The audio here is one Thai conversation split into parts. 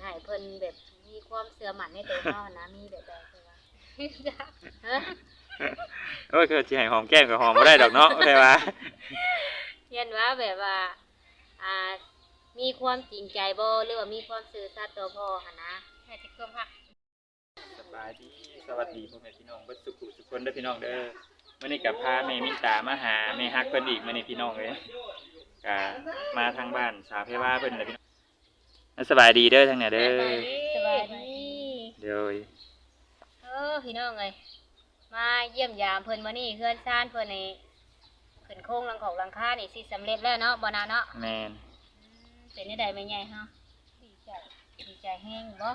ให้เพิ่นแบบมีความเชื่อมั่นในตัวเฮานะมีแบบใดคือว่าฮะโอ้ยคือสิให้หอมแก้มก็หอมบ่ได้ดอกเนาะแต่ว่าเรียนว่าแบบว่าอ่ามีความจริงใจบ่หรือว่ามีความซื่อสัตย์ต่อพ่อหั่นนะให้สิความฮักสบายดีสวัสดีพ่อแม่พี่น้องเบิดสุขุทุกคนเด้อพี่น้องเด้อมื้อนี้ก็พาแม่มิตามาหาแม่ฮักเพิ่นอีกมื้อนี้พี่น้องเอ้ยก็มาทางบ้านสาวเพรว่าเพิ่นแหละพี่น้องสบายดีเด้อทางเนี่ยเด้อสบายดีเดี๋ยวพี่น้องเอ้ยมาเยี่ยมยามเพิ่นมื้อนี้เฮือนซ่านเพิ่นนี่ขึ้นโครงหลังของหลังคานี่สิสำเร็จแล้วเนาะบ่นาเนาะแม่นเป็นจังได๋แม่ใหญ่เฮาดีใจแฮงบ่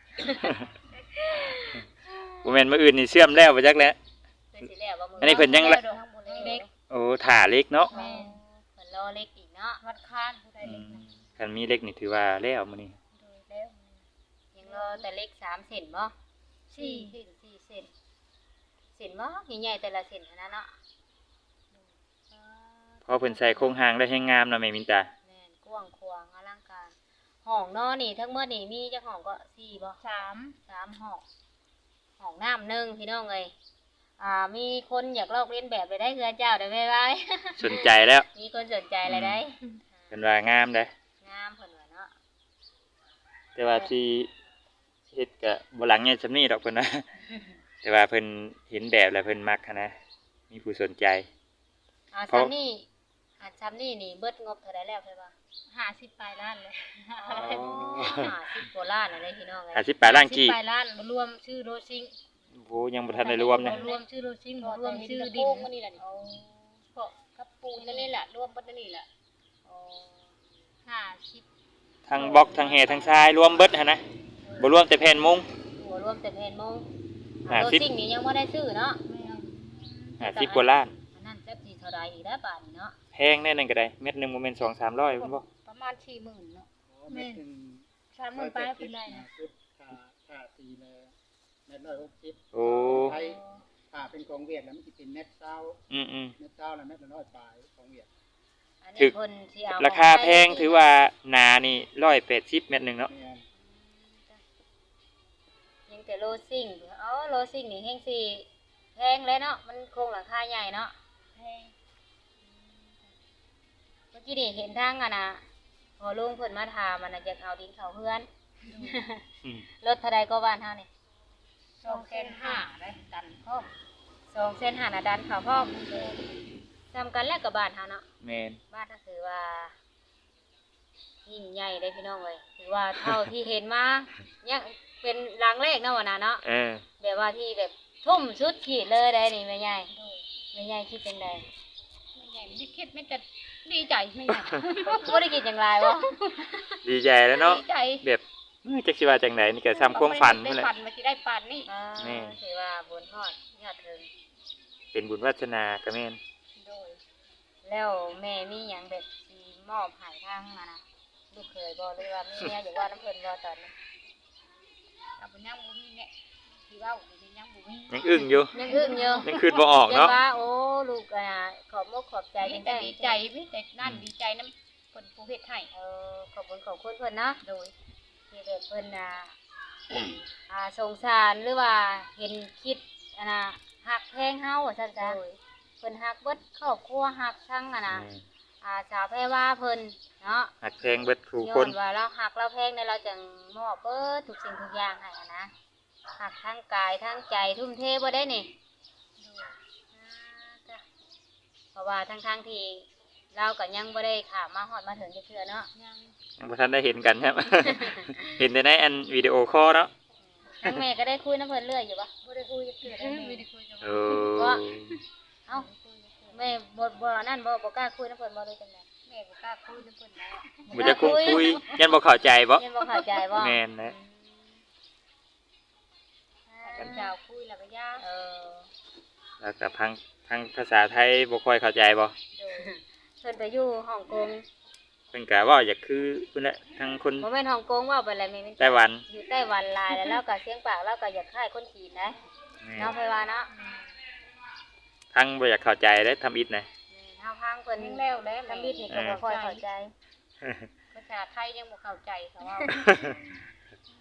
บ่แม่นมื้ออื่นนี่เชื่อมแล้วบ่จักแล้วเพิ่นสิแล้วบ่มื้อันนี้เพิ่นยังละเล็กโอ้ถ่าเล็กเนาะแม่เพิ่นรอเล็กอีกเนาะวัดคานผู้ใดเล็กนะคันมีเล็กนี่ถือว่าแล้วมื้อนี้โดยแล้วยังรอแต่เล็ก3เซนบ่4เซน4เซนเซนบ่ใหญ่ๆแต่ละเซนนะเนาะพอเพิ่นใส่โครงหางได้แฮงงามเนาะแม่มินตาแม่นกว้างขวางอลังการห้องนอนนี่ทั้งหมดนี่มีจักห้องก็4บ่3ห้องห้องน้ำ1พี่น้องเอ้ยมีคนอยากลอกเลียนแบบไปได้เฮือนเจ้าได้ไหมไว้สนใจแล้วมีคนสนใจอะไรได้เพิ่นว่างามเด้งามเพิ่นว่าเนาะแต่ว่าสิเฮ็ดก็บ่หลังใหญ่ซำนี้ดอกเพิ่นว่า แต่ว่าเพิ่นเห็นแบบแล้วเพิ่นมักหั้นนะมีผู้สนใจซ้ำนี่ซ้ำนี่นี่เบิดงบเท่าไรแล้วเพิ่นว่า50ปลายล้านเลย50กว่าล้านอะไรพี่น้องเอ้ย 50ปลายล้านกี่ปลายล้านรวมชื่อโรซิงโอ้ยังบ่ทันได้รวมนะรวมชื่อโรซิงรวมชื่อดินนี่แหละนี่เพาะกับปูนนั่นนี่แหละรวมเบิดนั่นนี่แหละ50 ทั้งบล็อกทั้งแห่ทั้งทรายรวมเบิดหั่นนะบ่รวมแต่แผ่นมุงตัวรวมแต่แผ่นมง 50 โรซิงนี่ยังบ่ได้ซื้อเนาะ 50กว่าล้านอันนั้นจักสิเท่าใดอีกแล้วบาดนี้เนาะแพงแน่นั่นก็ได้เม็ดหนึงบ่แม่น2-300พุ่นบ่ประมาณ40,000เนาะแม่น 30,000ปลายเป็นไรนะค่าตีเลยเม็ด160 โอ้ไทยถ้าเป็นของเวียดแล้วมันสิเป็นเม็ด20 อืมเม็ด20แล้วเม็ดละ100ปลายของเวียดอันถึนี้กเพิ่นสิเอาๆราคาแพงถือว่าหนานี่180เม็ดหนึงเนาะแม่นยังแต่โรซิงโรซิงนี่แฮงสิแพงเลยเนาะมันโครงหลังคาใหญ่เนาะแพงเมื่อกี้นี่เห็นทางน่ะพอลุงเพิ่นมาถามมันน่ะจะเอาดินเข้าเฮือนอืมรถเท่าใดก็บ้านเฮานี่2,500ได้ดันพร้อม2,500น่ะดันเข้าพร้อมซ้ำกันแล้วกับบ้านเฮาเนาะแม่นบ้านก็คือว่ายิ่งใหญ่เลยพี่น้องเอ้ยถือว่าเท่าที่เห็นมายังเป็นหลังแรกเนาะวะนะเนาะเออแบบว่าที่แบบทุ่มชุดขีดเลยได้นี่แม่ใหญ่แม่ใหญ่คิดจังไดไม่ใหญ่ไม่ได้คิดไม่จะดีใจไม่ใหญ่บ่ได้คิดจังไรบ่ดีใจแล้วเนาะดีใจแบบจักสิว่าจังไดนี่ก็ซ้ำความฝันได้นั่นแหละฝันมาที่ได้ฝันนี่แม่ถือว่าบุญฮอดยอดถึงเป็นบุญวาสนาก็แม่นโดยแล้วแม่มีหยังแบบสิมอบให้ทางนะลูกเคยบ่หรือว่ามีแนวอยากว่าน้ำเพิ่นบ่ตอนนี้กับบุญยังบุญเนี่ยที่ว่าบุญยังบุญยังอึ้งอยู่ยังอึ้งอยู่ยังคืนบ่ออกเนาะยังว่าโอ้ลูกขอบมกขอบใจจังแต่ได้ดีใจไม่แต่นั่นดีใจน้ำคนผู้เฮ็ดให้ขอบคุณขอบคุณเพิ่นเนาะโดยที่แบบเพิ่นสงสารหรือว่าเห็นคิดหักแพงเฮาว่าซั่นจ้ะเพิ่นหักเบิดครอบครัวหักทั้งสาวแพรว่าเพิ่นเนาะหักแพงเบิดผู้ย้คอน นว่าเราหักเราแพงในเราจังมอบเบิดทุกสิ่งทุกอย่างให้นะหักทั้งกายทั้งใจทุ่มเทบ่ได้นี่จ้ะเพราะว่าทั้งที่เราก็ยังบ่ได้ข้ามมาฮอดมาถึงจักเทื่อเนาะยังบ่ทันได้เห็นกันครับ เห็นแต่ในอันวิดีโอคอลเนาะทั้งแม่ก็ได้คุยน้ำเพิ่นเรื่อยอยู่ปะบ่ได้คุยกับเพื่อนไม่ได้คุยกับโอ้เอ้าแม่บ่นั่นบ่กล้าคุยน้ำเพิ่นบ่เลยจังได๋แม่บ่กล้าคุยกับเพิ่นแล้วบ่จะคงคุยยันบ่เข้าใจบ่ยังบ่เข้าใจบ่แม่นนะกันเจ้าคุยแล้วก็ย่าแล้วก็พังภาษาไทยบ่ค่อยเข้าใจบ่โดยเพิ่นไปอยู่ฮ่องกงเพิ่นก็เว้าอยากคือเพิ่นแหละทั้งคนบ่แม่นฮ่องกงเว้าไปแล้วแม่นไต้หวันอยู่ไต้หวันหลายแล้วเราก็เสียงปากเราก็อยากคล้ายคนจีนนะแม่เนาะไปว่าเนาะทั้งบ่อยากเข้าใจได้ทำอิฐนะเฮาพังเพิ่นยังแล้วแล้วทำบิดนี่ก็บ่ค่อยเข้าใจภาษาไทยยังบ่เข้าใจเขาว่า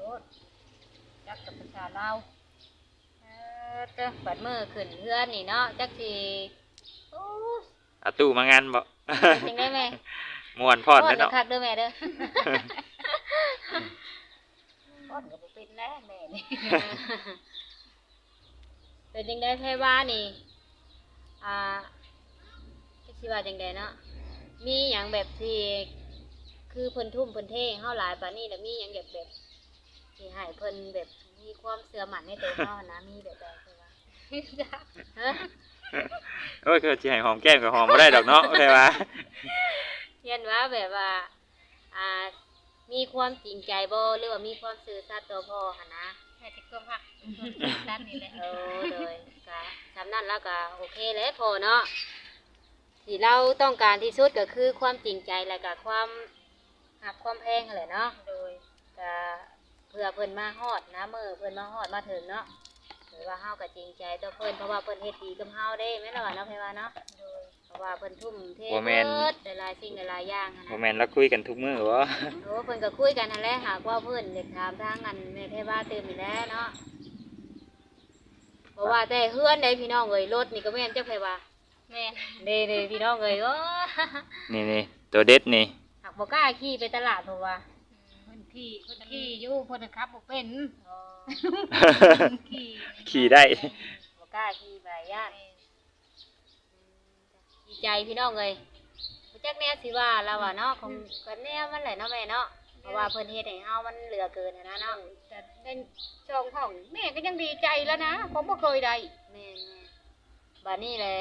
รถจักกับภาษาลาวเด้อบัดมื้อขึ้นเฮือนนี่เนาะจักสิโอ้เอาตู้มางานบ่จังได้แม่ม่วนพอดพอเด้ดอเนาะคักเด้อแม่เด้อพ่อนก็บ่เป็นแล้วแม่นี่เป็นจังได้ไผว่านี่จักสิว่าจังไดเนาะมีหยังแบบที่คือเพิ่นทุ่มเพิ่นเทให้เฮาหลายปานนี้แล้วมีหยังแบบสิให้เพิ่นแบบมีความเชื่อมั่นในตัวเฮานะมีแบบใดเพิ่นว่าฮะโอ้ยคือสิให้หอมแก้มก็หอมบ่ได้ดอกเนาะแค่ว่าเรียนว่าแบบว่าอ่ามีความจริงใจบ่หรือว่ามีความซื่อสัตย์ต่อพ่อหั่นนะแม่จะความหักด้านนี้แหละเลยก็สำนั้นแล้วก็โอเคเลยพอเนาะที่เราต้องการที่สุดก็คือความจริงใจและก็ความหักความแพงนั่นแหละเนาะโดยก็เพื่อเพิ่นมาฮอดนะมื้อเพิ่นมาฮอดมาถึงเนาะหรือว่าเฮาก็จริงใจต่อเพิ่นเพราะว่าเพิ่นเฮ็ดดีกับเฮาเด้แม่นล่ะเนาะไผว่าเนาะโดยเพราะว่าเพิ่นทุ่มเทบ่แม่นเบิดหลายๆสิ่งหลายๆอย่างหั้นบ่นะแม่นเราคุยกันทุกมื้อบ่โอ้เพิ่นก็คุยกันนั่นแหละหากว่าเพิ่นอยากถามทางอันแม่เทว่าตื่นนี่แหละเนาะเพราะว่าแต่เฮือนใดพี่น้องเอ้ยรถนี่ก็แม่นจักไผว่าแม่เด้ๆพี่น้องเอ้ยโอ้นี่ตัวเด็ดนี่หากบ่กล้าขี่ไปตลาดเพราะว่าเพิ่นขี่อยู่เพิ่นขับบ่เป็นอ๋อขี่ขี่ได้บ่กล้าขี่ไปย่านดีใจพี่น้องเอ้ยบ่จักแนวสิว่าเราว่าเนาะคงก็แนวมันแหละเนาะแม่เนาะเพราะว่าเพิ่นเฮ็ดให้เฮามันเหลือเกินหั้นนะเนาะแต่ได้ช่องห้องแม่ก็ยังดีใจแล้วนะผมบ่เคยได้แม่บัดนี้แหละ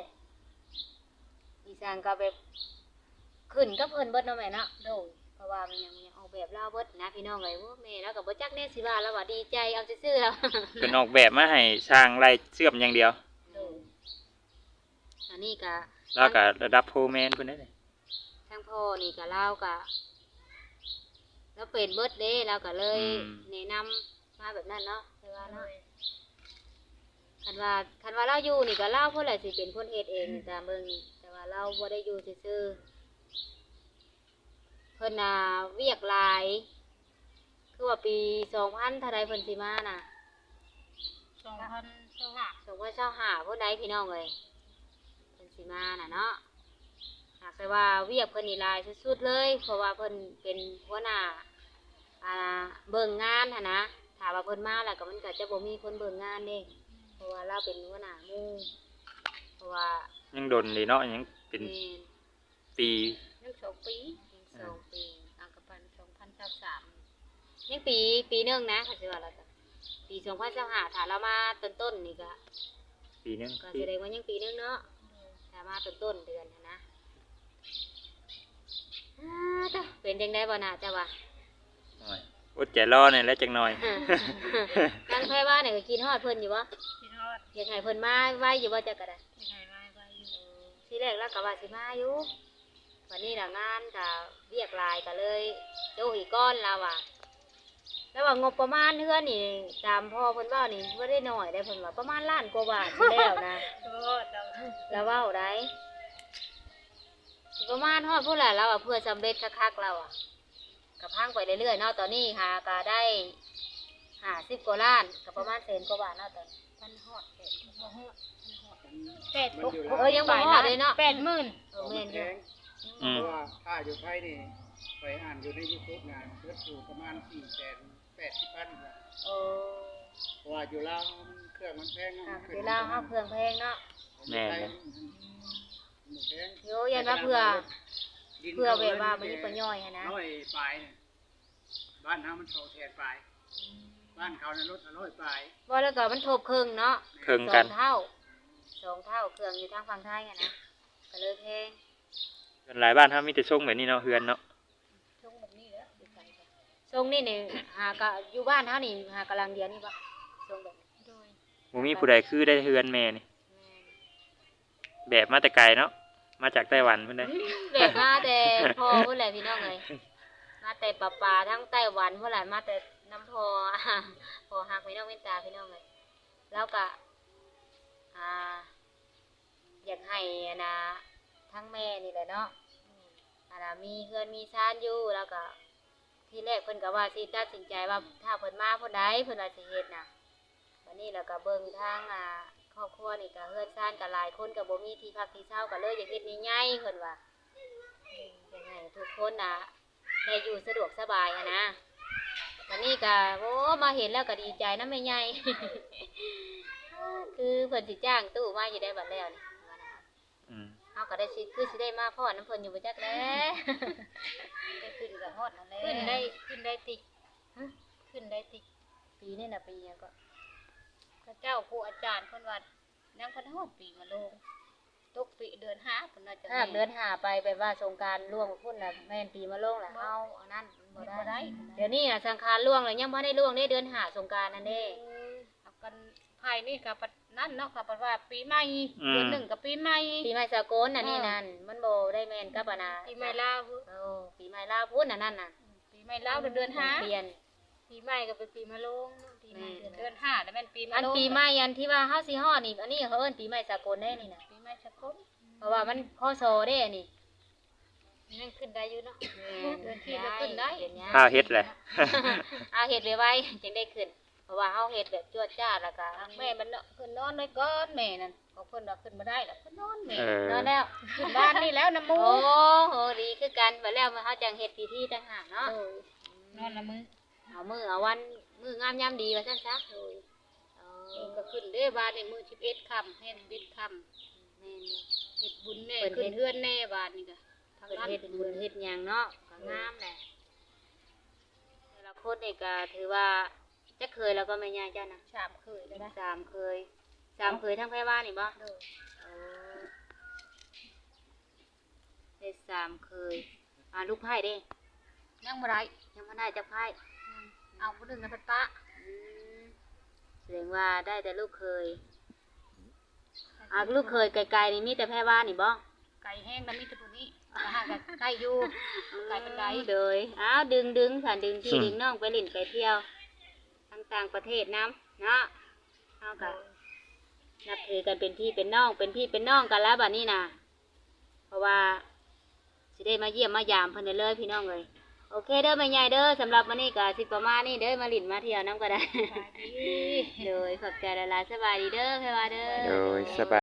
อีสานก็แบบขึ้นกับเพิ่นเบิดเนาะแม่เนาะโดยเพราะว่ามันยังออกแบบลาวเบิดนะพี่น้องเอ้ยโอ้แม่แล้วก็บ่จักแน่สิว่าแล้วว่าดีใจเอาซื่อๆแล้วเพิ่นออกแบบมาให้สร้างไร่เชื่อมอย่างเดียวโดยอันนี้ก็แล้วก็ระดับโฟร์แมนเพิ่นได้เลยทางพ่อนี่ก็ลาวก็แล้วเป็นเบิดเด้เราก็เลยแนะนำมาแบบนั้นเนาะแต่ว่าเนาะ คันว่าเราอยู่นี่ก็เล่าเพื่ออะไรสิเป็นคนเฮ็ดเองนี่ตามเบิ่งนี่แต่ว่าเราบ่ได้อยู่ซื่อๆเพิ่นน่ะเวียกหลายคือว่าปี2000เท่าใดเพิ่นสิมาน่ะ 2025 2025เพิ่นใดพี่น้องเอ้ยเพิ่นสิมาน่ะเนาะหากแต่ว่าเวียกเพิ่นนี่หลายสุดๆเลยเพราะว่าเพิ่นเป็นหัวหน้าเบิ่งงานหั่นนะถ้าว่าเพิ่นมาแล้วก็มันก็จะบ่มีคนเบิ่งงานเด้เพราะว่าเราเป็นหัวหน้าหมู่เพราะว่ายังดนดีเนาะยังเป็นแม่นปียัง2ปียัง2 ปีอ่างกับปัน2023 ยังปีหนึงนะค่ะสิว่าแล้วก็ปี2025ถ้าเรามาต้นๆนี่ก็ปีนึงก็แสดงว่ายังปีหนึงเนาะถ้ามาต้นๆเดือนหั้นนะจ้ะเป็นจังได๋บ่น่าจะว่าโอ้ยอดใจรอเนี่ยแล้วจักหน่อยทางไผว่าเนี่ยก็กินฮอดเพิ่นอยู่บ่พี่ทอดอยากให้เพิ่นมาไว้อยู่บ่จักก็ได้ยังไงมาอยู่ทีแรกเราก็ว่าสิมาอยู่วันนี้น่ะงานก็เรียกหลายก็เลยโจอีกก้อนแล้วอ่ะแล้วว่างบประมาณเฮือนนี่ตามพ่อเพิ่นเว้านี่บ่ได้น้อยได้เพิ่นว่าประมาณล้านกว่าบาทสิแล้วนะโทษเราแล้วเว้าได้สิประมาณฮอดผู้หลายเราอ่ะเพื่อสำเร็จคักๆเราอ่ะก็พังไปเรื่อยๆเนาะตอนนี้หาก็ได้50กว่าล้านก็ประมาณแสนกว่าบาทเนาะตอนพันฮอดบ่ฮอดยังบ่ฮอดเลยเนาะ 80,000 แม่นแพอยู่งอืเพมราะว่าค่าอยู่ไทยนี่ไปอ่านอยู่ใน YouTube งานเพิ่นอยู่ประมาณ480,000บาทโอ้เพราะว่าอยู่ลาวมันเครื่องมันแพงอ่ะเวลาเฮาเครื่องแพงเนาะแม่นเลเลย ยแพงโยยันว่าเพื่อแบบว่ามันมีประโยชน์หั้นนะร้อยปลายเนี่ยบ้านเฮามัน2แสนปลายบ้านเขานั้นรถ100ปลายว่าแล้วก็มันทบครึ่งเนาะเครื่องสกัอน งเท่าเครื่องอยู่ทางฝั่งไทยอะนะก็เลยแพงหลายบ้านเฮามีแต่ส่งแบบนี้เนาะเฮือนเนาะช่วงแบบนี้แหละทรงนี่หากะอยู่บ้านเฮานี่หากำลังเดียวนี่ปะทรงแบบนี้โดยบ่มีผู้ใดคือได้เฮือนแม่นี่แม่นแบบมาแต่ไกลเนาะมาจากไต้หวันเพิ่นได้แบบมาแต่พ่อพุ่นแหละพี่น้องเลยมาแต่ป่าทั้งไต้หวันพุ่นแหละมาแต่น้ำพอ พอหักพี่น้องเว้นตาพี่น้องเลยแล้วก็อยากให้อะนะทั้งแม่นี่แหละเนาะมีเฮือนมีชานอยู่แล้วก็ทีแรกเพิ่นก็ว่าสิตัดสินใจว่าถ้าเพิ่นมาเพิ่นใดเพิ่นว่าสิเฮ็ดน่ะวันนี้แล้วก็เบิ่งทางครอบครัวนี่ก็เฮือนซ่านก็หลายคนก็บ่มีที่พักที่เช่าก็เลยอยากเฮ็ดใหญ่ๆเพิ่นว่าอยากให้ทุกคนน่ะได้อยู่สะดวกสบายหั้นนะวันนี้ก็โอ้มาเห็นแล้วก็ดีใจนะแม่ใหญ่ คือเพิ่นสิจ้างตู้มาอยู่ได้บัดแล้วนี่ว่านะอืมเฮาก็ได้สิคือสิได้มาพ่อน้ำเพิ่นอยู่บ่จักแลได้ขึ้นกับฮอดนั่นแหละขึ้นได้ติขึ้นได้ติปีนี่น่ะปีหยังก็พระเจ้าผู้อาจารย์เพิ่นว่ายังเพิ่นฮอดปีมาลงตกปีเดือน5เพิ่นน่าจะถ้าเดือนหาไปแบบว่าสงกรานต์ล่วงพุ่นน่ะแม่นปีมะโรงแหละเฮาอันนั้นมันบ่ได้ เดี๋ยวนี้น่ะสังขารล่วงแล้วยังบ่ได้ล่วงได้เดือนหาสงกรานต์นั่นเด้เอากันภายนี่ก็นั่นเนาะก็ว่าปีใหม่เดือนหนึ่งกับปีใหม่ปีใหม่สากลน่ะนี่นั่นมันบ่ได้แม่นกับอันน่ะปีใหม่ลาวโอ้ปีใหม่ลาวพุ่นน่ะนั่นน่ะปีใหม่ลาวเดือนห้าเปลี่ยนปีใหม่ก็เป็นปีมะโรงปีใหม่เดือนห้าแล้วแม่นปีมะอันโรงปีใหม่อันที่ว่าเฮาสิฮอดนี่อันนี้เขาเอิ้นปีใหม่สากลได้นี่น่ะปีใหม่สากลเพราะว่ามันพศเด้นี่ยังขึ้นได้อยู่เนาะเดือนที่ก็ขึ้นได้ข้าวเฮ็ดแหละเอาเฮ็ดไว้ๆจึงได้ขึ้น เพราะว่าเฮาเฮ็ดแบบจวดจ้าดแล้วก็ทางแม่มันเนาะขึ้นนอนไว้ก่อนแม่นั่นของเพิ่นว่าขึ้นมาได้แล้วเพิ่นนอนแม่เออนอนแล้วขึ้นบ้านนี่แล้วน้ำมูโอ้โหดีคือกันบัดแล้วมาเฮาจังเฮ็ดพิธีต่างหากเนาะนอนละมือเอามื้อเอาวันมื้องามยามดีว่าซั่นซะโอ้ยก็ขึ้นเด้บ้านในมือ11ค่ำเฮ็ด11ค่ำแม่นเฮ็ดบุญแน่ขึ้นเฮือนแน่บ้านนี่ก็ทางเพิ่นนั้นเฮ็ดบุญเฮ็ดหยังเนาะก็งามแหละแต่ละคนนี่ก็ถือว่าจะเคยแล้วก็แม่ย่าเจ้านะชามเคยแล้วนะสามเคยทั้งไผว่านี่บ่เด้อเออได้สามเคยลูกไผ่เด้ยังบ่ได้ยังบ่ได้จักไผ่เอาผู้หนึงนะเพิ่นปะอืมแสดงว่าได้แต่ลูกเคยลูกเคยไกลๆนี่มีแต่แพร่ว่านี่บ่ไก่แห้งแล้วมีแต่ตัวนี้ก็หากันไก่อยู่ไก่เป็นไดเลยดึงค่ะดึงพี่ดึงน้องไปเล่นไปเที่ยวต่างๆประเทศน้ำเนาะเฮาก็นับถือกันเป็นพี่เป็นน้องเป็นพี่เป็นน้องกันแล้วบัดนี้นะเพราะว่าสิได้มาเยี่ยมมายามเพิ่นได้เลยพี่น้องเลยโอเคเด้อแม่ใหญ่เด้อสำหรับวันนี้ก็สิประมาณนี้เด้อมาหลินมาเที่ยวน้ำก็ได้สบายดีโดยขอบใจหลายๆสบายดีเด้อแพรว่าเด้อโดยสบาย